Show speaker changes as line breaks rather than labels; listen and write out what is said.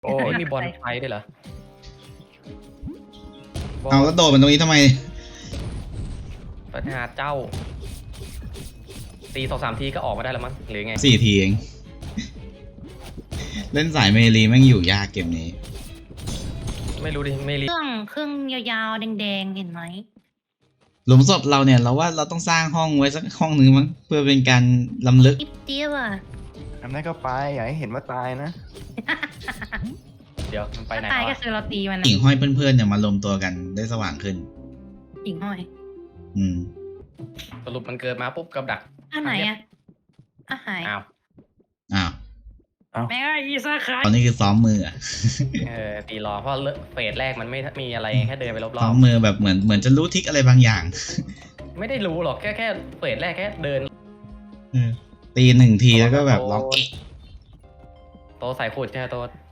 โอ้ยมีบอลไฟด้วยเหรอ
เอาแล้วโดดมันตรงนี้ทำไม
ปัญหาเจ้าตี2-3 ทีก็ออกมาได้แล้วมั้งหรือไง
4 ทีเอง เล่นสายเมลีแม่งอยู่ยากเกมนี้
ไม่รู้ดิไม่รี
เครื่องยาวๆแดงๆเห็นไหม
หลุมศพเราเนี่ยเราว่าเราต้องสร้างห้องไว้สักห้องนึงมั้งเพื่อเป็นการล้ำลึก
จิ๊บเจี๊ยบอ่ะ
ทำได้ก็ไปอย่าให้เห็นว่าตายนะ
เดี๋ยวมันไปไหน
ตายก็
วะ
คือเราตีมัน
หิ่งห้อยเพื่อนๆเนี่ยมารวมตัวกันได้สว่างขึ้น
หิ่งห้อย
อืม
สรุปมันเกิดมาปุ๊บกับดัก
อันไหนอ่ะอ่ะหาย
อ้าว
อ้าว
แม่ก็อีซาคาย
ตอนนี้คือซ้อมมืออะ
ตีรอเพราะเฟสแรกมันไม่มีอะไรแค่เดินไปร
ซ้
อ
อบ มมือแบบเหมือนจะรู้ทริกอะไรบางอย่าง
ๆไม่ได้รู้หรอกแค่เฟสแรกแค่เดิน
ตี1 ทีแล้วก็แบบล็อกเอะ
โตใส่ขวดแค่โต